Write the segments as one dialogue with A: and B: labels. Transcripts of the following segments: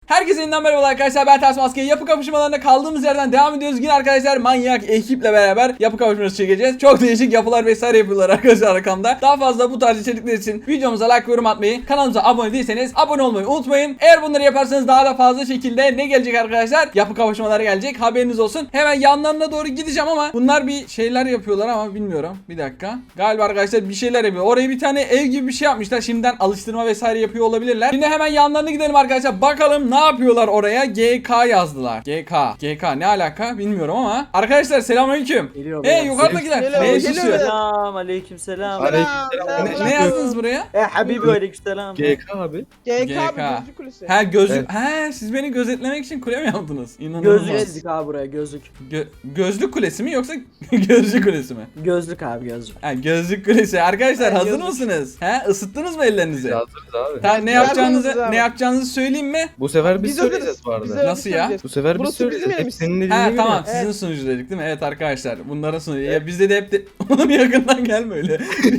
A: Herkese yeniden merhaba arkadaşlar, ben Ters Maske. Yapı kapışmalarına kaldığımız yerden devam ediyoruz. Yine arkadaşlar manyak ekiple beraber yapı kapışması çekeceğiz. Çok değişik yapılar vesaire yapıyorlar arkadaşlar arkamda. Daha fazla bu tarz içerikler için videomuza like ve yorum atmayı, kanalımıza abone değilseniz abone olmayı unutmayın. Eğer bunları yaparsanız daha da fazla şekilde ne gelecek arkadaşlar? Yapı kapışmaları gelecek, haberiniz olsun. Hemen yanlarına doğru gideceğim ama bunlar bir şeyler yapıyorlar ama bilmiyorum. Bir dakika. Galiba arkadaşlar bir şeyler yapıyor. Oraya bir tane ev gibi bir şey yapmışlar. Şimdiden alıştırma vesaire yapıyor olabilirler. Şimdi hemen yanlarına gidelim arkadaşlar. Bakalım ne yapıyorlar oraya? GK yazdılar. GK ne alaka bilmiyorum ama. Arkadaşlar selamünaleyküm. Yukarıdakiler. Ne yaşıyor?
B: Selam aleykümselam.
A: Ne yazdınız buraya?
B: Habibi aleykümselam.
C: GK abi.
A: GK.
D: Gözlük kulesi.
A: Ha gözlük.
C: Evet.
A: Ha siz beni gözetlemek için kule mi yaptınız? İnanılmaz.
B: Gözlük çizdik abi buraya gözlük.
A: Gözlük kulesi mi yoksa gözlük kulesi mi?
B: Gözlük abi gözlük.
A: Ha gözlük kulesi. Arkadaşlar
D: Ha,
A: hazır
D: gözlük.
A: mısınız? Ha ısıttınız mı ellerinizi?
C: Hazırız abi.
A: Tamam ne
D: Hazırız
A: yapacağınızı
D: abi.
A: ne yapacağınızı söyleyeyim mi?
C: Bu sefer biz
D: Biz
C: söyleyeceğiz
D: hazırız.
C: bu arada.
D: Biz hazırız.
A: Nasıl ya?
C: Bu sefer biz
D: Burası
C: söyleyeceğiz.
D: bizim
C: Hep
D: yerimiz.
C: senin dediğine
A: Ha
C: göre.
A: tamam
D: Evet.
A: sizin sunucu dedik değil mi? Evet arkadaşlar bunların sunucu. Ya bizde de hep oğlum yakından gelme öyle.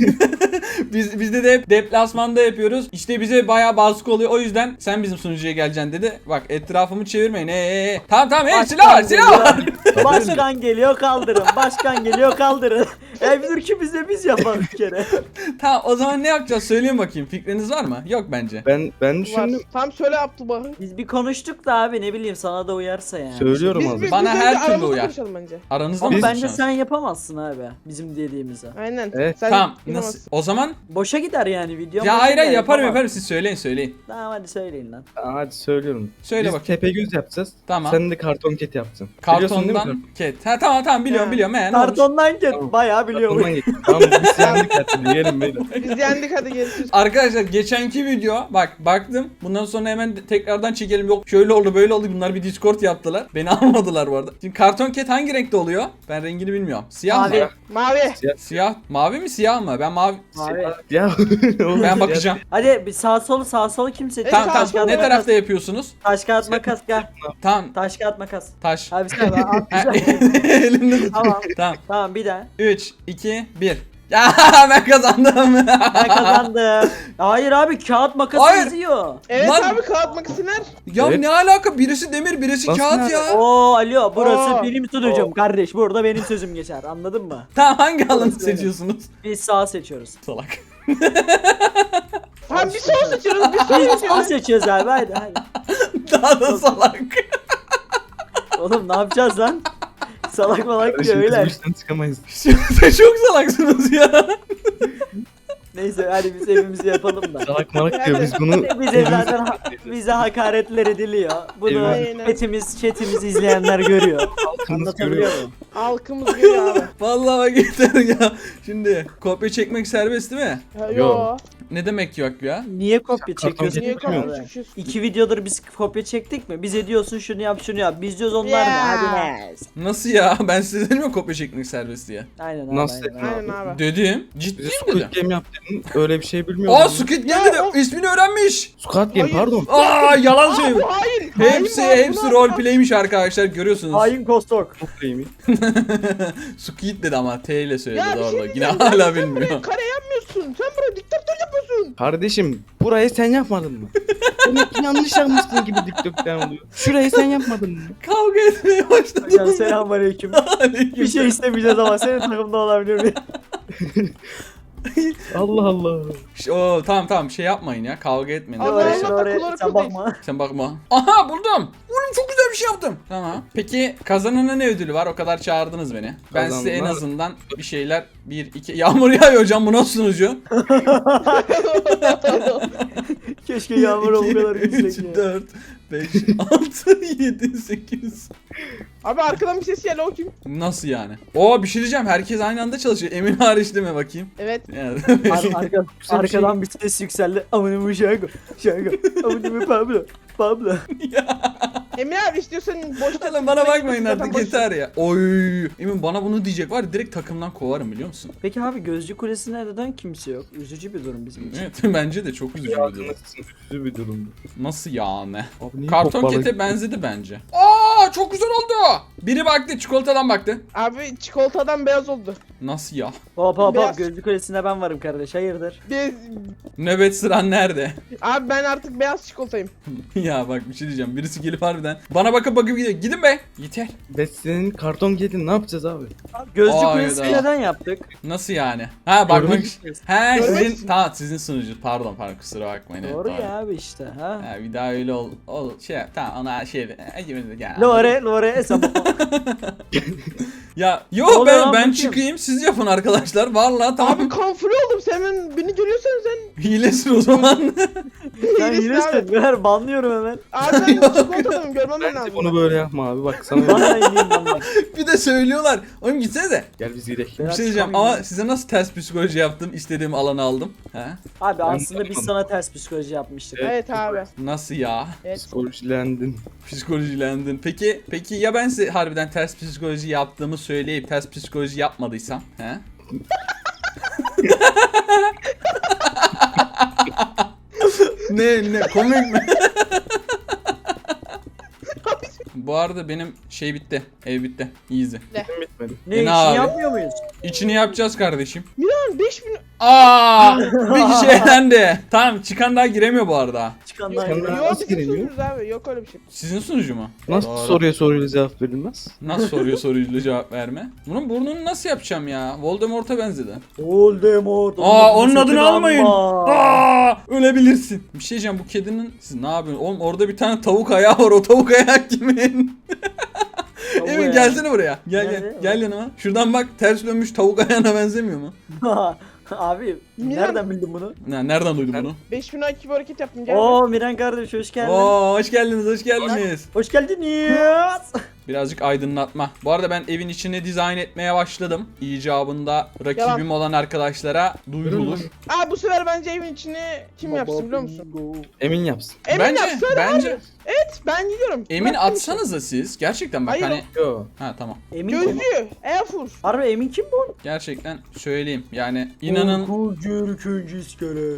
A: Bizde de hep deplasmanda yapıyoruz. İşte bize bayağı baskı oluyor. O yüzden sen bizim sunucuya geleceksin dedi. Bak etrafımı çevirmeyin. Tamam silah var.
B: Başkan geliyor kaldırın. Başkan geliyor kaldırın. Dur biz de biz yapalım bir kere.
A: Tamam o zaman ne yapacağız söyleyeyim bakayım. Fikriniz var mı? Yok bence.
C: Ben
D: Var.
C: düşündüm.
D: Tam söyle Abdülbahı.
B: Biz bir konuştuk da abi ne bileyim sana da uyarsa yani.
C: Söylüyorum abi.
A: Bana
D: önce
A: her türlü
D: aramızda
A: uyar.
D: konuşalım bence.
A: Aranızda
B: Ama
A: mı
B: bence
A: konuşacaksınız?
B: sen yapamazsın abi bizim dediğimizi.
D: Aynen.
C: Evet.
D: Sen
A: Tamam nasıl?
D: yapamazsın.
A: O zaman
B: Boşa gider yani video.
A: ya
B: boşa
A: hayır
B: gider,
A: yaparım
B: yapamam.
A: siz söyleyin.
B: Tamam hadi söyleyin lan.
C: Hadi söylüyorum.
A: Söyle
C: Biz
A: bakayım.
C: Tepegöz yapacağız.
A: Tamam.
C: Sen de karton ket yapacaksın. Biliyorsun değil mi
A: Kartondan ket. Ha tamam biliyorum.
D: Ha.
A: Ne olmuş?
B: Kartondan gel
C: Tamam.
B: bayağı biliyorum.
C: Kartondan geç. Tamam biz yendik hadi. Yiyelim beyler.
D: Biz yendik hadi görüşürüz.
A: Arkadaşlar geçenki video baktım. Bundan sonra hemen tekrardan çekelim. Yok şöyle oldu böyle oldu. Bunlar bir Discord yaptılar. Beni almadılar bu arada. Şimdi karton ket hangi renkte oluyor? Ben rengini bilmiyorum. Siyah
B: Mavi.
A: mı?
D: Mavi.
A: Siyah. Mavi mi siyah mı? Ben mavi.
B: Abi.
C: Ya. oğlum,
A: Ben bakacağım.
B: Hadi bir sağ solu kim seçiyor?
A: Tamam
D: sağ
A: tamam.
D: sol
A: Ne
B: makas.
A: tarafta yapıyorsunuz?
B: Taş kağıt makas gel.
A: Tamam.
B: Taş kağıt makas.
A: Taş.
B: Abi sen
A: Ha,
B: atlayacağım.
A: Elimde tut.
B: Tamam.
A: Tamam.
B: Tamam bir daha.
A: 3, 2, 1. Ya ben kazandım.
B: Ben kazandım. Hayır abi kağıt makası
A: Hayır.
B: yazıyor.
D: Evet
A: Lan-
D: abi kağıt makası ver.
A: Ya
C: Evet.
A: ne alaka? Birisi demir, birisi
C: Nasıl
A: kağıt
C: yani?
A: ya.
B: Oo alo burası
D: Oo.
B: benim sunucum kardeş. Burada benim sözüm geçer. Anladın mı?
A: Tamam hangi alanı
B: Orası öyle.
A: seçiyorsunuz?
B: Biz sağ seçiyoruz.
A: Salak.
D: Tamam bir sol seçiyoruz. Bir sol
B: Biz sağ
D: seçiyoruz.
B: seçiyoruz abi haydi.
A: Daha da salak.
B: Oğlum ne yapacağız lan? Salak malak diyor
C: Kardeşim biz bu
B: öyle.
C: işten çıkamayız.
A: Siz çok salaksınız ya.
B: Neyse hadi biz evimizi yapalım da.
C: Salak malak diyor biz bunu.
B: Bize zaten bize hakaretler ediliyor. Bunu
D: Aynen.
B: chatimiz izleyenler görüyor.
C: Halkımız
B: Anlatabiliyor
C: görüyor.
B: muyum?
D: Halkımız görüyor abi.
A: Vallahi bak yeter ya. Şimdi kopya çekmek serbest değil mi?
D: Ha,
C: Yo.
D: Yo.
A: Ne demek yok ya?
B: Niye kopya
C: Karton
B: çekiyorsun?
D: Niye
C: Çekmiyor.
D: kopya
B: Abi?
D: çekiyorsun?
B: 2 videodur biz kopya çektik mi? Bize diyorsun şunu yap şunu yap. Biz diyoruz onlar ne?
D: Ya.
B: Hadi ne?
A: Nasıl ya? Ben size dedim ya kopya çekmek serbest diye.
B: Aynen abi.
C: Nasıl
B: aynen.
C: dedin
D: Aynen abi.
A: Dedim. Ciddi
C: Bize
A: mi dedim?
C: Squid Game yap dedin. Öyle bir şey bilmiyordum.
A: Aa Squid Game
D: Ya,
A: dedi.
D: o-
A: İsmini öğrenmiş.
C: Squid Game
D: Hayır.
C: pardon.
A: Aa yalan söylüyor.
D: Bu hain.
A: Hepsi roleplay'miş arkadaşlar görüyorsunuz.
B: Hain Kostok.
C: Çok iyiymiş.
A: Squid dedi ama T ile söyledi
D: Ya bir şey
A: doğru. Yine
D: diyeceğim.
A: hala
D: Sen
A: bilmiyor.
D: buraya kare yapmıyorsun. Sen buraya diktatör yapıyorsun.
C: Kardeşim burayı sen yapmadın mı? Demek ki yanlış yapmışsın gibi dikdörtgen oluyor. Şurayı sen yapmadın mı?
A: Kavga etmeye başladı.
B: Hocam selamünaleyküm. Bir şey istemeyeceğiz ama senin takımda olabilir miyim?
C: Allah Allah.
A: Oo tamam şey yapmayın ya. Kavga etmeyin.
D: Allah
A: arkadaşlar.
D: Allah.
B: Oraya
D: Kulak
B: sen
D: kıl değil.
B: bakma.
A: Sen bakma. Aha buldum. Oğlum çok güzel bir şey yaptım. Tamam. Peki kazanana ne ödülü var? O kadar çağırdınız beni. Ben size en
C: Kazanana-
A: azından bir şeyler 1 2 Yağmur yağıyor hocam bu nasıl sunucu?
B: Keşke yağmur o kadar
A: 3
B: yüksek ya.
A: 4 5 6 7 8.
D: Abi arkadan bir ses geldi o kim?
A: Nasıl yani? Oo bir şey diyeceğim. Herkes aynı anda çalışıyor. Emin hariç değil mi bakayım?
D: Evet.
A: Yani.
B: Arkadan bir ses yükseldi. Amınımı şarkı. Amınımı Pablo.
D: Emir abi istiyorsan boşta...
A: Oğlum bana bakmayın
D: Zaten
A: artık
D: boş-
A: yeter ya. Oy. Emin bana bunu diyecek var ya, direkt takımdan kovarım biliyor musun?
B: Peki abi Gözcü Kulesi'ne neden kimse yok? Üzücü bir durum bizim için.
A: Evet bence de çok üzücü bir durum.
C: Üzücü bir durumdu.
A: Nasıl yani?
C: Abi niye
A: Karton
C: kopmalı-
A: kete benzedi bence. Aa çok güzel oldu. Biri baktı, çikolatadan baktı.
D: Abi çikolatadan beyaz oldu.
A: Nasıl ya?
B: Hop hop hop,
D: Beyaz.
B: gözlü kulesinde ben varım kardeş, hayırdır?
D: Biz...
A: Nöbet sıran nerede?
D: Abi ben artık beyaz çikolatayım.
A: Ya bak bir şey diyeceğim. Birisi gelip harbiden bana bakıp gidiyor. Gidin be. Yeter.
C: Ve senin karton yedin, ne yapacağız abi?
B: Gözlü
A: Hayda.
B: kulesi neden yaptık?
A: Nasıl yani? Ha bakmak
C: Görmek
A: için.
C: istiyorsun.
A: He
D: Görmek
A: sizin
D: için.
A: tamam sizin sunucu. Pardon kusura bakmayın. Evet,
B: Doğru ya abi işte ha.
A: Ha, bir daha öyle şey yap. Tamam ona şey. Ya.
B: Lore sabah.
A: Ya
B: Ne
A: yo
B: oluyor
A: ben
B: lan,
A: ben
B: bakayım.
A: çıkayım siz yapın arkadaşlar. Vallahi tamam.
D: Abi kamufle oldum, sen beni görüyorsan sen.
A: Hilesin o zaman.
B: Sen
D: iyisin
B: yürüsün,
D: abi.
B: ver banlıyorum hemen.
D: Abi ben çikolatadayım, görmem
C: Bence
D: lazım.
C: bunu böyle yapma abi, bak sana
B: Bana ineyim ben bak.
A: Bir de söylüyorlar. Oğlum gitsenize.
C: gel biz gidelim.
A: Bir
B: Biraz
A: şey diyeceğim
B: çıkamayayım.
A: ama size nasıl ters psikoloji yaptım? İstediğim alanı aldım. He?
B: Abi aslında biz
C: yapmadım.
B: sana ters psikoloji yapmıştık.
D: Evet abi.
A: Nasıl ya?
D: Evet.
C: Psikolojilendin.
A: Psikolojilendin. Peki ya ben size harbiden ters psikoloji yaptığımı söyleyip ters psikoloji yapmadıysam? He? ne komik mi? Bu arada benim şey bitti. Ev bitti. Easy.
C: Bitmedi.
B: Ne
A: Ne
B: için
A: abi?
B: yapmıyor muyuz?
A: İçini yapacağız kardeşim.
D: Miran 5000...
A: Aa! Bir kişi elendi. Tamam çıkan daha giremiyor bu arada.
B: Çıkanlar
C: Çıkanlar-
B: gibi.
D: Yok
C: nasıl
D: bizim
C: giremiyor?
D: sunucumuz abi, yok öyle bir şey.
A: Sizin sunucu mu?
C: Nasıl
A: Doğru.
C: soruyla cevap verilmez?
A: Nasıl soruyla cevap verme? Bunun burnunu nasıl yapacağım ya? Voldemort'a benzedi.
B: Voldemort.
A: Aa onun adını
B: sakın
A: almayın.
B: alma.
A: Aa ölebilirsin. Bir şey diyeceğim bu kedinin siz ne yapıyorsunuz? Oğlum orada bir tane tavuk ayağı var. O tavuk ayağı kimin?
B: Tavuğu
A: Emin
B: ya.
A: gelsene buraya. Gel
B: Nerede?
A: gel yanıma. Şuradan bak ters dönmüş tavuk ayağına benzemiyor mu?
B: Abi
D: Miran-
B: nereden bildin bunu?
A: Nereden duydun bunu?
D: 5000 IQ bir hareket yaptım, gel.
B: Oo Miran kardeş hoş geldin.
A: Oo hoş geldiniz hoş geldiniz.
B: Hoş geldiniz.
A: Birazcık aydınlatma. Bu arada ben evin içini dizayn etmeye başladım. İcabında rakibim
D: Yalan.
A: olan arkadaşlara duyurulur.
D: Aa bu sefer bence evin içini kim yapsın biliyor musun?
C: Emin yapsın.
D: Emin
A: Bence
D: yapsın
A: bence
D: Evet ben gidiyorum.
A: Emin
D: Bıraktım
A: atsanıza siz. Gerçekten bak
D: Hayır,
A: hani
C: Yo.
A: ha tamam.
B: Emin
D: işi.
B: kim?
D: Gözcü, Airfur.
B: Harbi Emin kim bu?
A: Gerçekten söyleyeyim. Yani inanın
B: Korkunç iskele.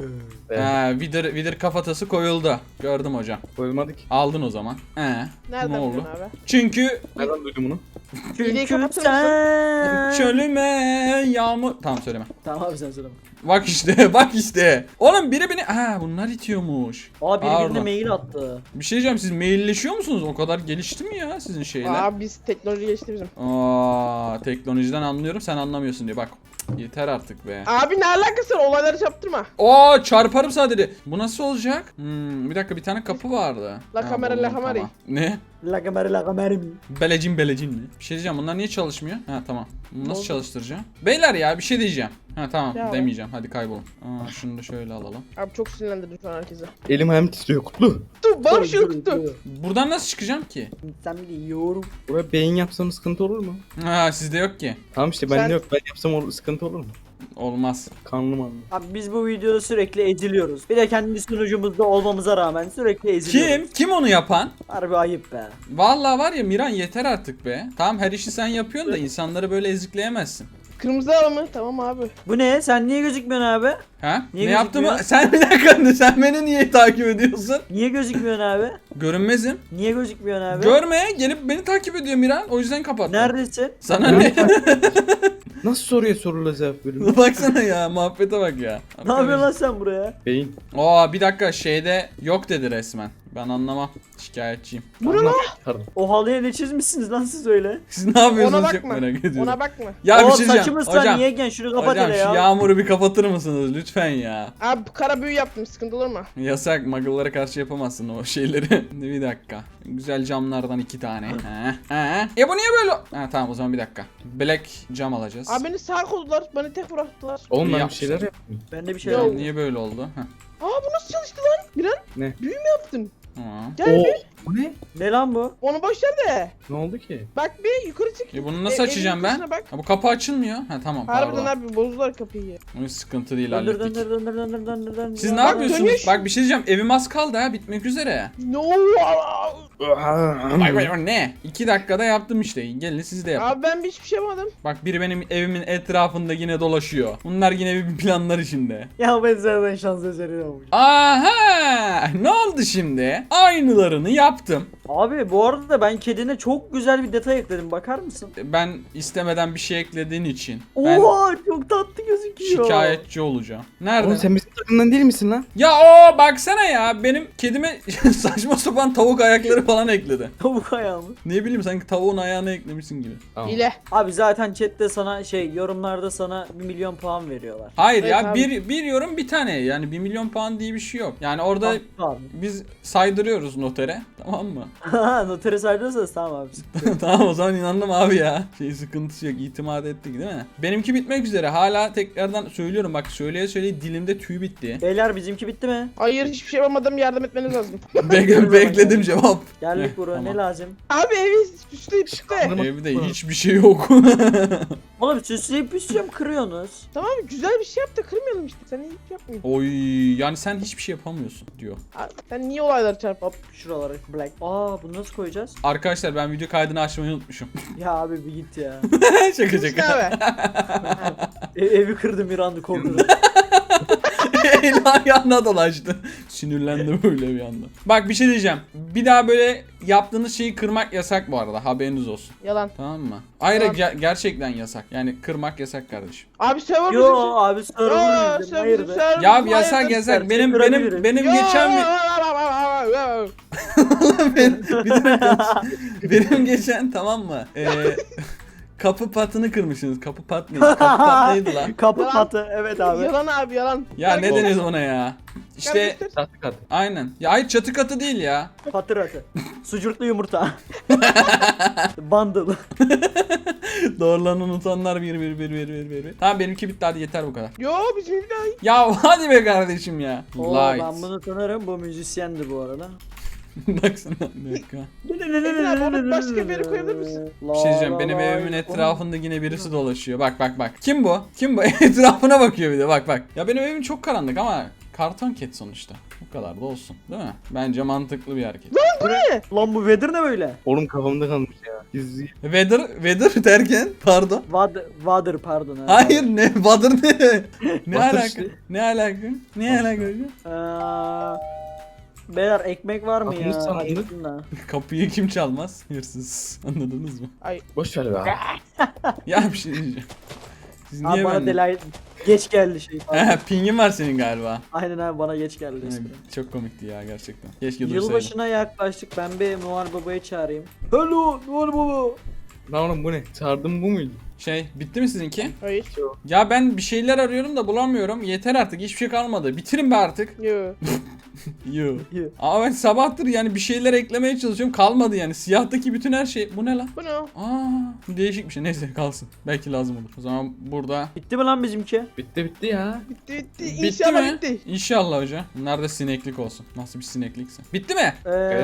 A: vidir kafatası koyuldu. Gördüm hocam.
C: Koyulmadık.
A: Aldın o zaman.
D: Nereden
A: Ne oldu?
D: biliyorsun abi?
A: Çünkü
C: Nereden duydun bunu?
D: Hileyi
B: Çünkü
D: kapatır
B: sen.
A: çölüme yağmur... Tamam söyleme.
B: Tamam abi sen söyle.
A: Bak işte bak işte. Oğlum biri beni... Bunlar itiyormuş.
B: Aa birbirine
A: Pardon.
B: mail attı.
A: Bir şey diyeceğim siz mailleşiyor musunuz? O kadar gelişti mi ya sizin şeyler?
D: Aa biz teknoloji geçti bizim.
A: Teknolojiden anlıyorum sen anlamıyorsun diye bak. Cık, yeter artık be.
D: Abi ne alakası var, olayları çarptırma.
A: Çarparım sadece. Bu nasıl olacak? Bir dakika bir tane kapı vardı.
D: La kamera,
A: buldum,
D: la kamera.
A: tamam. Ne?
B: La kamerim.
A: Belecin mi? Bir şey diyeceğim bunlar niye çalışmıyor? Ha tamam. Bunu nasıl
D: Oldu.
A: çalıştıracağım? Beyler ya bir şey diyeceğim. Ha tamam
D: Ya.
A: demeyeceğim hadi kaybolun. Şunu da şöyle alalım.
D: Abi çok sinirlendirdim şu an herkese.
C: Elim ayağım titriyor, Kutlu.
D: Dur bana bir şey yoktu.
A: Buradan nasıl çıkacağım ki?
B: Sen biliyorum.
C: Buraya beyin yapsam sıkıntı olur mu?
A: Sizde yok ki.
C: Tamam işte
D: Sen-
C: bende yok. Ben yapsam sıkıntı olur mu?
A: Olmaz.
C: Kanlım anlı.
B: Abi biz bu videoda sürekli eziliyoruz. Bir de kendi sunucumuzda olmamıza rağmen sürekli eziliyoruz.
A: Kim onu yapan?
B: Harbi ayıp be.
A: Vallahi var ya Miran yeter artık be. Tamam her işi sen yapıyorsun da insanları böyle ezikleyemezsin.
D: Kırmızı al mı? Tamam abi.
B: Bu ne? Sen niye gözükmüyorsun abi?
A: Ha?
B: Niye
A: ne yaptığımı
B: gözükmüyor?
A: sen bir dakika sen beni niye takip ediyorsun?
B: Niye gözükmüyorsun abi?
A: Görünmezim.
B: Niye gözükmüyorsun abi?
A: Görme gelip beni takip ediyor Miran o yüzden kapattım.
B: Neredesin?
A: Sana ne?
C: Nasıl soruya soruyla cevap verilmez?
A: Baksana ya muhabbete bak ya.
B: Ne yapıyorsun lan sen buraya?
C: Beyin.
A: Bir dakika şeyde yok dedi resmen. Ben anlamam. Şikayetçiyim.
D: Bu ne lan?
C: Pardon.
B: O halıya ne çizmişsiniz lan siz öyle?
A: Siz ne yapıyorsunuz
D: Ona
A: çok
D: bakma.
A: merak ediyorum.
D: Ona bakma.
A: Ya bir
B: O
A: şey diyeceğim.
B: saçımız sen niye gen şunu kapat
A: Hocam
B: hele
A: şu
B: ya.
A: yağmuru bir kapatır mısınız lütfen ya.
D: Abi kara büyü yaptım, sıkıntı olur mu?
A: Yasak muggle'lara karşı yapamazsın o şeyleri. Bir dakika. Güzel camlardan 2 tane. Bu niye böyle? Tamam o zaman bir dakika. Black cam alacağız.
D: Abi beni sağ koydular, beni tek bıraktılar.
C: Oğlum ben bir
A: Yapmışlar.
C: şeyler yaptım.
B: Bende bir şey
D: Yo.
B: yok.
A: Niye böyle oldu?
D: Aa bu nasıl çalıştı lan? Miran
C: Ne?
D: büyü mü yaptın?
A: Tamam.
D: Gel
C: Oo.
D: bir.
C: Bu ne?
B: Ne lan bu?
D: Onu boş ver de.
C: Ne oldu ki?
D: Bak bir yukarı çık.
A: Bunu nasıl
D: Evin
A: açacağım ben?
D: yukarısına Bak.
A: Bu kapı açılmıyor. Tamam
D: Harbiden
A: pardon.
D: abi bozdular kapıyı.
A: Bu sıkıntı değil
B: Döndür
A: hallettik.
B: döndür döndür döndür döndür döndür.
A: Siz ne
D: Bak,
A: yapıyorsunuz?
D: dönüş.
A: Bak bir şey diyeceğim. Evim az kaldı ha bitmek üzere.
D: No.
A: Vay ne? 2 dakikada yaptım işte. Gelin siz de yapın.
D: Abi ben hiçbir şey yapmadım.
A: Bak biri benim evimin etrafında yine dolaşıyor. Bunlar yine bir planlar içinde.
B: Ya ben zaten şans eseri olmuş.
A: Aha! Ne oldu şimdi? Aynılarını yaptım.
B: Abi bu arada ben kedine çok güzel bir detay ekledim. Bakar mısın?
A: Ben istemeden bir şey eklediğin için ben
B: Oha çok tatlı gözüküyor.
A: şikayetçi olacağım. Nerede?
C: Oğlum sen bizim takımdan değil misin lan?
A: Ya o baksana ya, benim kedime saçma sapan tavuk ayakları falan ekledi.
B: Tavuk ayağı mı?
A: Ne bileyim, sanki tavuğun ayağını eklemişsin gibi.
C: Tamam.
D: Hile.
B: Abi zaten chatte sana yorumlarda sana 1 milyon puan veriyorlar.
A: Hayır
D: Evet
A: ya,
D: abi.
A: bir yorum bir tane, yani 1 milyon puan diye bir şey yok. Yani orada
B: Abi.
A: biz saydırıyoruz notere, tamam mı?
B: Notere saydırırsanız tamam abi.
A: Tamam, o zaman inandım abi ya. Sıkıntısı yok, itimat ettik değil mi? Benimki bitmek üzere, hala tekrardan söylüyorum, bak söyleye söyleye dilimde tüy bitti.
B: Beyler bizimki bitti mi?
D: Hayır hiçbir şey yapamadım, yardım etmeniz lazım.
A: Bekledim cevap.
B: Geldik buraya
A: Tamam.
B: ne lazım?
D: Abi evi süsleyip işte.
A: Evde hiçbir şey yok.
B: Oğlum süsleyip püsleyeceğim kırıyorsunuz.
D: Tamam güzel bir şey yap da kırmayalım işte. Sen hiç yapmıyorsun.
A: Oy, yani sen hiçbir şey yapamıyorsun diyor.
D: Abi, sen niye olayları çarpıp?
B: Şuraları black. Aa bunu nasıl koyacağız?
A: Arkadaşlar ben video kaydını açmayı unutmuşum.
B: Ya abi bir git ya.
A: Şaka
D: İşte
A: şaka.
D: abi.
B: Evi kırdım bir anda korktum.
A: El ayağına dolaştı. Sinirlendi böyle bir anda. Bak bir şey diyeceğim. Bir daha böyle yaptığınız şeyi kırmak yasak bu arada. Haberiniz olsun.
D: Yalan.
A: Tamam mı? Hayır
D: Tamam.
A: gerçekten yasak. Yani kırmak yasak kardeşim.
D: Abi server
B: Yo
D: bizim.
B: abi
D: Yo,
B: server bizim.
D: server
B: Hayır
D: bizim,
B: be.
D: server
A: Ya
D: bizim,
A: yasak
D: hayırdır?
A: yasak.
B: Seni
A: Benim
B: kırabilirim.
A: benim
D: Yo,
A: geçen benim geçen tamam mı? Kapı patını kırmışsınız. Kapı pat neydi? Kapı pat neydi lan?
B: Kapı
D: Yalan.
B: patı evet abi.
D: Yalan abi yalan.
A: Ya ne
D: Gel-
A: deniyoruz ona ya? İşte
D: Gel göster.
C: Tahta katı.
A: aynen. Ya hayır, çatı katı değil ya.
B: Patır atı. Sucuklu yumurta. Bundle.
A: Doğrularını unutanlar bir. Tamam benimki bitti, hadi yeter bu kadar.
D: Yo bizim bir daha.
A: Ya hadi be kardeşim ya.
B: Oo,
A: Light.
B: ben bunu tanırım. Bu müzisyendi bu arada.
A: Baksana bir dakika.
D: Emin abi onu başka bir yere koyabilir misin?
A: Bir şey diyeceğim, benim evimin etrafında yine birisi dolaşıyor. Bak. Kim bu? Kim bu? Etrafına bakıyor bir de, bak. Ya benim evim çok karanlık ama karton ket sonuçta. Bu kadar da olsun değil mi? Bence mantıklı bir hareket.
D: Bu ne?
B: Lan bu weather ne böyle?
C: Oğlum kafamda kalmış ya. Gizli.
A: Weather derken pardon.
B: Water pardon. ha.
A: Hayır ne? Weather ne? Ne
C: Water
A: alaka?
C: işte.
A: Ne alaka? Ne alaka?
B: Beyler ekmek var mı
C: Kapımız
B: ya?
C: çalındı.
B: Acıktım da.
A: Kapıyı kim çalmaz? Hırsız. Anladınız mı?
C: Boş ver be abi.
A: Ya bir şey diyeceğim. Siz
B: Abi
A: niye
B: bana
A: ben...
B: delay geç geldi şey.
A: Pingin var senin galiba.
B: Aynen abi bana geç geldi.
A: Evet,
B: espri.
A: çok komikti ya gerçekten. Keşke dursaydım.
B: Yılbaşına yaklaştık. Ben bir Noel Baba'yı çağırayım. Hello Noel Baba.
C: Lan oğlum bu ne? Çağırdım bu muydu?
A: Bitti mi sizinki?
D: Hayır.
A: Ya ben bir şeyler arıyorum da bulamıyorum. Yeter artık, hiçbir şey kalmadı. Bitirin be artık.
D: Yo.
A: Yo.
B: Yo.
A: Ama ben sabahtır yani bir şeyler eklemeye çalışıyorum, kalmadı yani. Siyahtaki bütün her şey. Bu ne lan?
D: Bu ne?
A: Değişik bir şey. Neyse kalsın. Belki lazım olur. O zaman burada
B: Bitti mi lan bizimki?
C: Bitti ya.
D: Bitti.
A: bitti
D: İnşallah
A: mi?
D: bitti.
A: İnşallah hocam. Bunlar da sineklik olsun. Nasıl bir sineklikse. Bitti mi?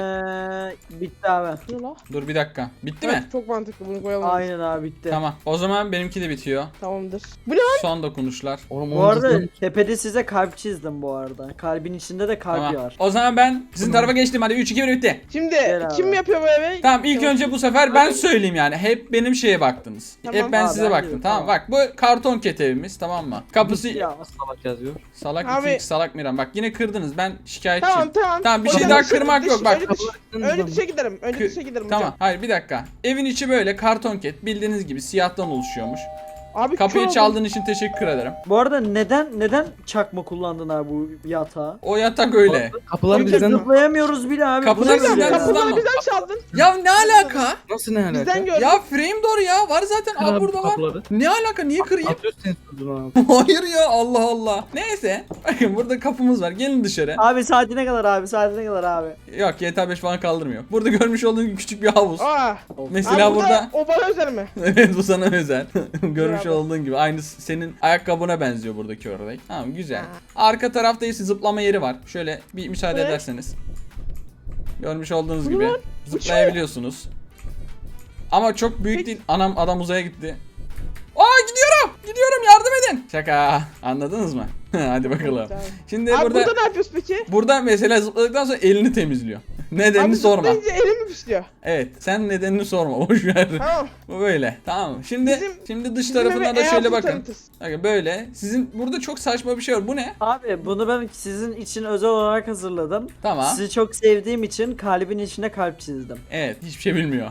B: Bitti abi.
D: Ne la?
A: Dur bir dakika. Bitti mi?
D: Evet, çok mantıklı bunu koyalım.
B: Aynen abi bitti.
A: Tamam. O zaman benimki de bitiyor.
D: Tamamdır. Bu ne lan?
A: Son dokunuşlar.
C: Oğlum
B: Bu arada tepede size kalp çizdim bu arada. Kalbin içinde de kalp
A: Tamam.
B: var.
A: O zaman ben sizin tarafa geçtim. Hadi 3 2 1 bitti.
D: Şimdi
B: Gel abi.
D: kim yapıyor bu evi?
A: Tamam, ilk önce bu sefer ben söyleyeyim yani. Hep benim şeye baktınız.
D: Tamam.
A: Hep ben
B: Aa,
A: size
B: ben
A: baktım.
B: de,
A: Tamam.
B: tamam.
A: Bak bu karton ket evimiz, tamam mı? Kapısı
B: Ya.
C: salak yazıyor.
A: salak
D: Abi-
A: 2 salak Miran. Bak yine kırdınız. Ben şikayetçiyim.
D: Tamam.
A: Tamam, bir
D: O
A: şey
D: zaman
A: daha
D: dışarı-
A: kırmak yok, bak.
D: Önce dışa giderim. Önce
A: Kı-
D: dışa giderim
A: Tamam.
D: hocam.
A: Hayır bir dakika. Evin içi böyle karton ket, bildiğiniz gibi siyahtan oluşuyormuş.
D: Abi
A: Kapıyı
D: kör
A: çaldığın için teşekkür ederim.
B: Bu arada neden çakma kullandın abi bu yatağı?
A: O yatak öyle.
C: Kapılar
B: Biz
C: bizden
B: zıplayamıyoruz bile abi.
A: Kapılar
B: Bu ne
A: bizden
B: böyle?
A: hızlı.
D: Kapıları
A: ama.
D: bizden çaldın.
A: Ya ne alaka?
C: nasıl ne alaka?
D: Bizden gördün.
A: Ya frame door ya. Var zaten.
C: Kır
A: Aa
C: abi
A: burada var.
C: kapıları.
A: Ne alaka? Niye kırayım?
C: Atıyorsun sen sözünü abi.
A: Hayır ya, Allah Allah. Neyse. Bakın burada kapımız var. Gelin dışarı.
B: Abi saatine kadar abi saatine kadar abi.
A: Yok, GTA 5 falan kaldırmıyor. Burada görmüş olduğun gibi küçük bir havuz.
D: Aa.
A: Mesela
D: Abi
A: burada
D: o bana özel mi?
A: evet, bu sana özel. Görmüş
D: Bravo.
A: olduğun gibi aynı senin ayakkabına benziyor buradaki ördek. Tamam, güzel. Arka tarafta ise zıplama yeri var. Şöyle bir müsaade
D: Ne?
A: ederseniz. Görmüş olduğunuz
D: Bu
A: gibi
D: lan?
A: zıplayabiliyorsunuz. Ama çok büyük
D: Peki.
A: değil. Anam, adam uzaya gitti. Aa, gidiyorum, yardım edin. Şaka, anladınız mı? Hadi bakalım.
D: Tamam.
A: Şimdi
D: Abi
A: burada
D: burada ne yapıyoruz peki?
A: mesela zıpladıktan sonra elini temizliyor. Nedenini
D: Abi
A: sorma.
D: zıplayınca elim mi pişiyor?
A: Evet, sen nedenini sorma. Boş ver.
D: Tamam.
A: Bu böyle. Tamam. Şimdi
D: Bizim-
A: dış
D: Bizim
A: tarafına
D: eve
A: da şöyle
D: e-altın
A: bakın.
D: tanıtırız.
A: Bakın böyle. Sizin burada çok saçma bir şey var. Bu ne?
B: Abi bunu ben sizin için özel olarak hazırladım.
A: Tamam.
B: Sizi çok sevdiğim için kalbin içine kalp çizdim.
A: Evet, hiçbir şey bilmiyor.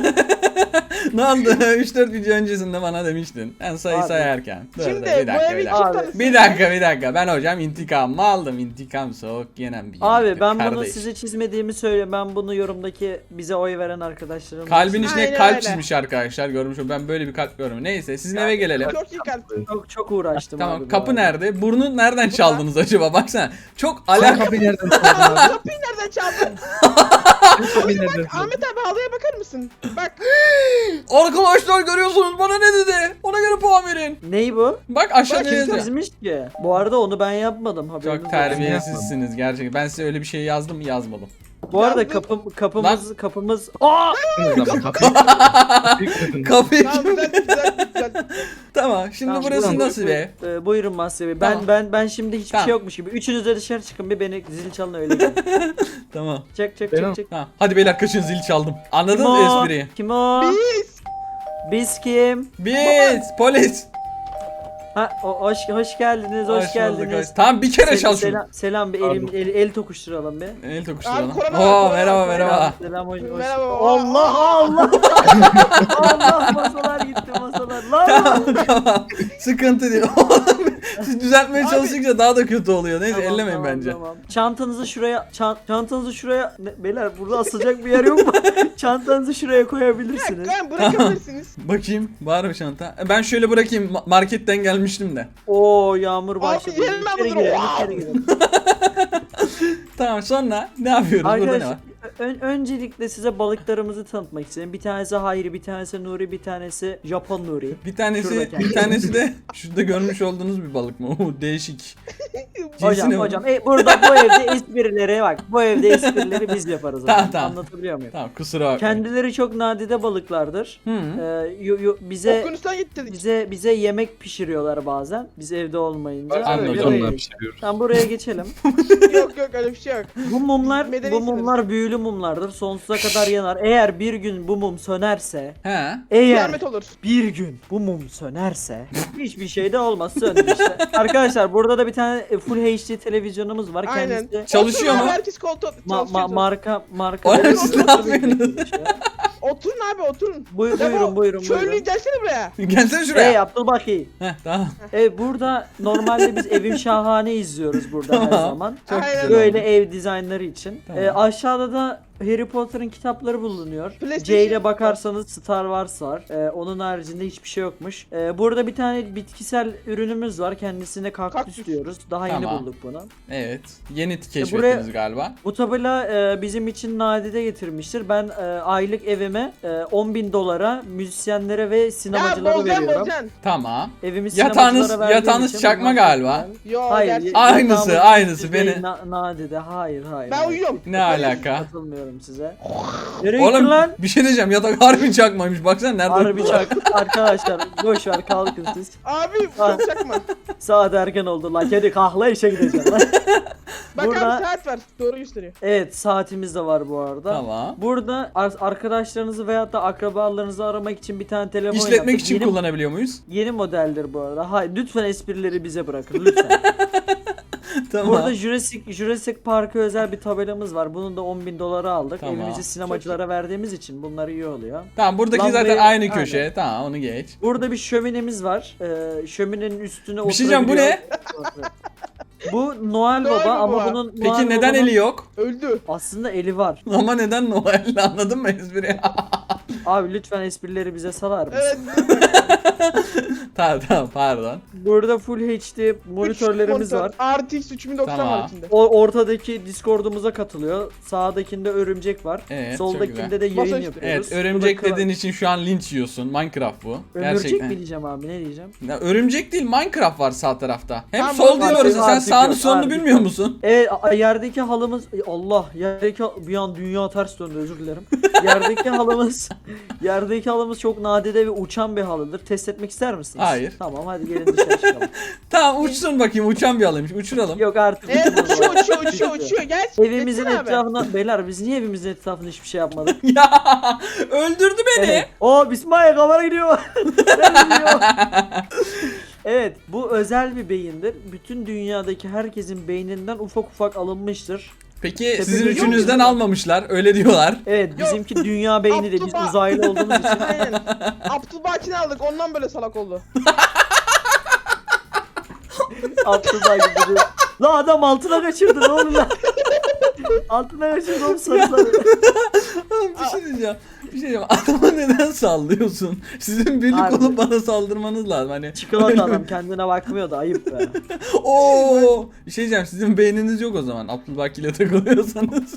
A: Ne oldu? 3-4 video öncesinde bana demiştin. Ben sayı
B: Abi.
A: sayarken. Dur,
D: Şimdi
A: dur,
D: bu
A: bir dakika,
D: evi
A: bir
D: kim
A: dakika.
B: Abi,
D: tanısın?
A: Bir dakika. Ben hocam intikamımı aldım. İntikam soğuk yenen bir
B: Abi
A: yemektir
B: ben bunu
A: kardeş.
B: size çizmediğimi söyle. Ben bunu yorumdaki bize oy veren arkadaşlarım.
A: Kalbin içine
D: Aynen
A: kalp
D: öyle.
A: çizmiş arkadaşlar. Görmüş oldum. Ben böyle bir kalp görmedim. Neyse sizin eve gelelim.
D: Çok iyi kalp.
B: çok uğraştım
A: Tamam,
B: abi. bu
A: kapı
B: arada.
A: nerede? Burnu nereden çaldınız acaba? Baksana. Çok
C: Sen
A: alakalı.
C: kapıyı nereden çaldın abi?
D: Kapıyı nereden çaldın?
C: Sen kapıyı nereden çaldın?
D: Ahmet abi halıya bakar mısın? Bak.
A: Arkadaşlar görüyorsunuz bana ne dedi? Ona göre puan verin.
B: Ney bu?
A: Bak aşağıda
D: Bak,
B: Kim
A: yazıyor.
B: çizmiş ki? Bu arada onu ben yapmadım. Haberiniz
A: Çok
B: olsun.
A: terbiyesizsiniz gerçekten. Ben size öyle bir şey yazdım mı? Yazmadım.
B: Bu arada
D: Yazdım.
B: kapımız. Aa!
C: O zaman kapıyı. Kapıyı kırdın.
A: Kapıyı
D: Tamam güzel.
A: Tamam. Şimdi
B: Tamam,
A: burası
B: buyurun,
A: nasıl be?
B: Buyurun Mahsur Bey.
A: Tamam.
B: Ben şimdi hiçbir
A: Tamam.
B: şey yokmuş gibi. Üçünüz de dışarı çıkın bir beni zil çalın öyle gelin.
A: Tamam.
B: Çek.
C: Benim-
B: Çek.
A: Hadi beyler kaçın zil çaldım. Anladınız
B: Kim
A: mı
B: o?
A: espriyi?
B: Kim o?
D: Biz.
B: Biz kim?
A: Biz polis.
B: Ha hoş geldiniz. Hoş
A: bulduk,
B: geldiniz.
A: Tamam bir kere çal şunu.
B: Selam bir el tokuşturalım bir.
A: El tokuşturalım.
D: Abi, korona
A: Oo
D: var, korona
A: merhaba
D: var.
A: merhaba.
B: Selam hoş.
D: Merhaba.
B: Allah Allah. Allah masalar gitti masalar. Lan.
A: Tamam. Sıkıntı değil. Siz düzeltmeye
D: Abi.
A: çalıştıkça daha da kötü oluyor. Neyse
B: Tamam,
A: ellemeyin
B: tamam,
A: bence.
B: Tamam. Çantanızı şuraya beyler burada asılacak bir yer yok mu? Çantanızı şuraya koyabilirsiniz.
D: Ben bırakabilirsiniz.
A: Bakayım var mı çanta? Ben şöyle bırakayım. Marketten gelmiştim de.
B: Oo yağmur başladı.
D: yerim ben
B: İçeri
D: bunları.
B: girelim,
D: Wow.
B: içeri girelim.
A: Tamam sonra ne yapıyoruz? Burada ne
B: Arkadaşlar
A: var?
B: öncelikle size balıklarımızı tanıtmak istedim. Bir tanesi Hayri, bir tanesi Nuri, bir tanesi Japon Nuri.
A: Bir tanesi
B: Şurada kendisi.
A: bir tanesi de şurada görmüş olduğunuz bir balık mı? Oo, değişik.
B: Hocam
A: Cinsine bak.
B: burada bu evde esprileri bak. Bu evde esprileri biz yaparız.
A: Tamam,
B: Tamam,
A: tamam.
B: Anlatabiliyor muyum?
A: Tamam kusura bakma.
B: Kendileri çok nadide balıklardır.
A: Hı.
B: Bize
D: Okyanustan git dedik.
B: bize yemek pişiriyorlar bazen. Biz evde olmayınca.
A: Anladım.
B: Öyle
C: Onlar
B: böyle.
C: pişiriyoruz.
B: Tamam buraya geçelim.
D: Yok öyle bir şey yok.
B: Bu mumlar
D: Medeni
B: büyülü mumlardır. Sonsuza kadar yanar. Eğer bir gün bu mum sönerse,
A: He.
B: eğer
D: Kıyamet olur.
B: bir gün bu mum sönerse hiçbir şey de olmaz söndü işte. Arkadaşlar burada da bir tane Full HD televizyonumuz var.
D: Aynen.
B: Kendisi
A: Çalışıyor
D: Oturun
A: mu?
D: abi, herkes koltuğa çalışıyor.
B: marka
A: Oğlum siz ne yapıyorsunuz?
D: Oturun abi oturun.
B: Buyurun.
D: Çöllüğü gelsene buraya.
A: Gelsene şuraya.
B: Hey Abdülbaki.
A: Heh tamam.
B: Burada normalde biz Evim Şahane izliyoruz burada her
A: Tamam.
B: zaman.
A: Çok
D: Aynen.
A: güzel
B: Böyle
A: oldu.
B: ev dizaynları için.
A: Tamam.
B: Aşağıda da Harry Potter'ın kitapları bulunuyor.
D: PlayStation.
B: C ile bakarsanız Star Wars var. Onun haricinde hiçbir şey yokmuş. Burada bir tane bitkisel ürünümüz var. Kendisine kaktüs
D: Kaktüs.
B: diyoruz. Daha yeni
A: Tamam.
B: bulduk bunu.
A: Evet. Yeni keşfettiniz
B: buraya-
A: galiba.
B: Bu tabela bizim için nadide getirmiştir. Ben aylık evime 10.000 dolara müzisyenlere ve
D: Ya
B: sinemacılara
D: bozacaksın
B: veriyorum.
D: bozacaksın.
A: Tamam.
B: Evimi
A: Yatağınız
B: sinemacılara verdiğim
A: yatağınız
B: için
A: çakma
B: bunlar-
A: galiba.
D: Yo
B: Hayır.
D: gerçek.
A: Aynısı,
B: yatağımın
A: aynısı,
B: düzeyi
A: beni-
B: nadide. Hayır.
D: Ben uyuyorum.
A: Ne alaka?
B: Katılmıyorum size. Nereye gittin
A: Oğlum
B: lan?
A: bir şey diyeceğim. Yatak harbi çakmaymış. Baksana nerede?
B: Harbi çak. Arkadaşlar boş ver kalkın siz.
D: Abi
B: Ah.
D: çok çakma.
B: Saat erken oldu lan. Kedi kahla işe gideceğim lan.
D: Bak
B: Burada-
D: abi saat var. Doğru gösteriyor.
B: Evet saatimiz de var bu arada.
A: Tamam.
B: Burada arkadaşlarınızı veyahut da akrabalarınızı aramak için bir tane telefon
A: İşletmek
B: yaptık.
A: için kullanabiliyor muyuz?
B: Yeni modeldir bu arada. Hayır lütfen esprileri bize bırakın lütfen.
A: Tamam.
B: Burada Jurassic Park'a özel bir tabelamız var. Bunun da 10.000 dolara aldık.
A: Tamam.
B: Evimizi sinemacılara verdiğimiz için bunlar iyi oluyor.
A: Tamam buradaki
B: Lambayı-
A: zaten aynı
B: Aynen.
A: köşe. Tamam onu geç.
B: Burada bir şöminemiz var. Şöminenin üstüne
A: Bir şey diyeceğim, bu
B: oturabiliyor. Bu Noel
D: Noel
B: Baba ama
D: Baba.
B: bunun
A: Peki
B: Noel
A: neden
B: Baba'nın
A: eli yok?
D: Öldü.
B: aslında eli var.
A: Ama neden Noel? Anladın mı espriyi?
B: Abi lütfen esprileri bize salar mısın?
D: Evet.
A: tamam pardon.
B: Burada Full HD monitörlerimiz var.
D: RTX 3090
A: Tamam.
D: var içinde.
B: O ortadaki Discord'umuza katılıyor. Sağdakinde örümcek var.
A: Evet, çok
B: Soldakinde de
D: Masa
B: yayın
D: üstü.
B: yapıyoruz.
A: Evet örümcek
B: Burada
A: dediğin için şu an linç yiyorsun. Minecraft bu.
B: Örümcek
A: Gerçekten.
B: mi diyeceğim abi ne diyeceğim?
A: Ya, örümcek değil Minecraft var sağ tarafta. Hem
D: Tamam,
A: sol değil
D: var,
A: orası. Sen
B: artık
A: sağını
B: yok,
A: solunu
B: artık
A: bilmiyor
B: yok.
A: musun?
B: Evet yerdeki halımız Allah yerdeki bir an dünya ters döndü özür dilerim. yerdeki halımız çok nadide ve uçan bir halıdır. Test etmek ister misiniz?
A: Hayır.
B: Tamam hadi gelin dışarı çıkalım.
A: Tamam uçsun bakayım, uçan bir halıymış. Uçuralım.
B: Yok artık.
D: Evet
B: uçmaz o.
D: uçuyor. Gel.
B: Evimizin
D: Geçsene abi.
B: etrafına beyler biz niye evimizin etrafına hiçbir şey yapmadık?
A: Ya öldürdü beni.
B: Evet. O Bismillah kamera gidiyor. Nereye gidiyor? Evet bu özel bir beyindir. Bütün dünyadaki herkesin beyninden ufak ufak alınmıştır.
A: Peki
B: Tabii
A: sizin
B: yok.
A: üçünüzden almamışlar. Öyle diyorlar.
B: Evet
D: Yok.
B: bizimki dünya beyni de biz
D: Abdullah.
B: uzaylı olduğumuz için.
D: Aynen. Abdülbaki'ni aldık ondan böyle salak oldu.
B: Abdullah gibi. La adam altına kaçırdı ne oldu lan? Altına kaçırdı oğlum sarıları.
A: Bir şey diyeceğim. Adama neden sallıyorsun? Sizin birlik
B: Abi.
A: olup bana saldırmanız lazım. Hani
B: Çikolata adam kendine bakmıyor da ayıp be.
A: Oo! Bir şey diyeceğim. Sizin beyniniz yok o zaman. Abdülbaki ile takılıyorsanız.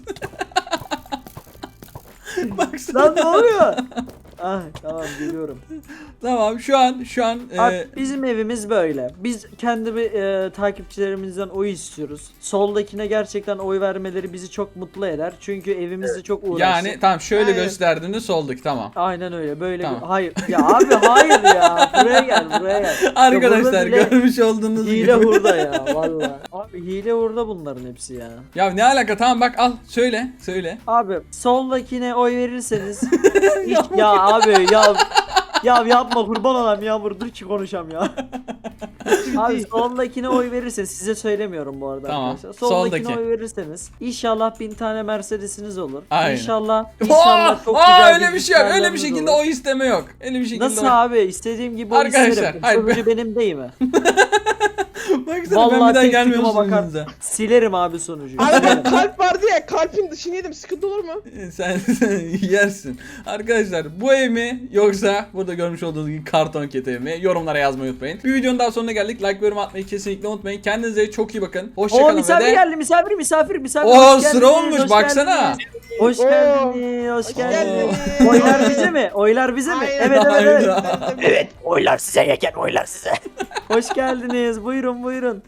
A: Baksana.
B: Lan ne oluyor? Ah tamam geliyorum.
A: Tamam şu an
B: Abi, bizim evimiz böyle. Biz kendi takipçilerimizden oy istiyoruz. Soldakine gerçekten oy vermeleri bizi çok mutlu eder. Çünkü evimizde çok uğraştık.
A: yani tamam şöyle
D: Aynen.
A: gösterdiğinde solduk tamam.
B: Aynen öyle böyle
A: Tamam.
B: hayır ya abi hayır ya buraya gel.
A: Arkadaşlar
B: burada bile
A: görmüş olduğunuz
B: hile
A: gibi.
B: hurda ya vallahi. Abi hile hurda bunların hepsi ya.
A: Ya ne alaka, tamam bak al söyle.
B: Abi soldakine oy verirseniz ya abi ya yapma kurban olayım Yağmur dur ki konuşam ya. Abi soldakine oy verirseniz size söylemiyorum bu arada
A: Tamam,
B: arkadaşlar. Soldakine
A: soldaki.
B: oy verirseniz inşallah 1000 tane Mercedes'iniz olur.
A: Aynen.
B: İnşallah çok
A: Aa,
B: güzel
A: öyle bir şey yok. Öyle bir
B: bilgisayarlarınız
A: şekilde
B: olur.
A: oy isteme yok. Öyle bir şekilde
B: Nasıl
A: oy...
B: abi istediğim gibi oy
A: Arkadaşlar,
B: isterim.
A: hayır,
B: Sonucu benim değil mi?
A: Baksana ben
B: Vallahi
A: bir daha
B: tek
A: gelmiyorum
B: tıkıma bakar.
A: sizinle.
B: Silerim abi sonucu.
D: Abi
B: Silerim.
D: kalp vardı ya kalbin dışını yedim sıkıntı olur mu?
A: Sen yersin. Arkadaşlar bu ev mi yoksa burada görmüş olduğunuz gibi karton ket ev mi? Yorumlara yazmayı unutmayın. Bir videonun daha sonuna geldik. Like ve yorum atmayı kesinlikle unutmayın. Kendinize çok iyi bakın.
B: Oo
A: Hoşçakalın ve
B: misafir
A: de...
B: geldi misafir.
A: Oo
B: Hoş
A: sıra
B: geldiniz,
A: olmuş
B: hoş
A: baksana.
B: geldiniz. Hoş
D: Oo.
B: geldiniz, hoş
D: Hoş
B: geldiniz.
D: geldiniz.
B: Oylar bize mi? Oylar bize mi?
D: Aynen.
B: Evet.
A: Hayda.
B: Evet, oylar size yeken oylar size. Hoş geldiniz. Buyurun.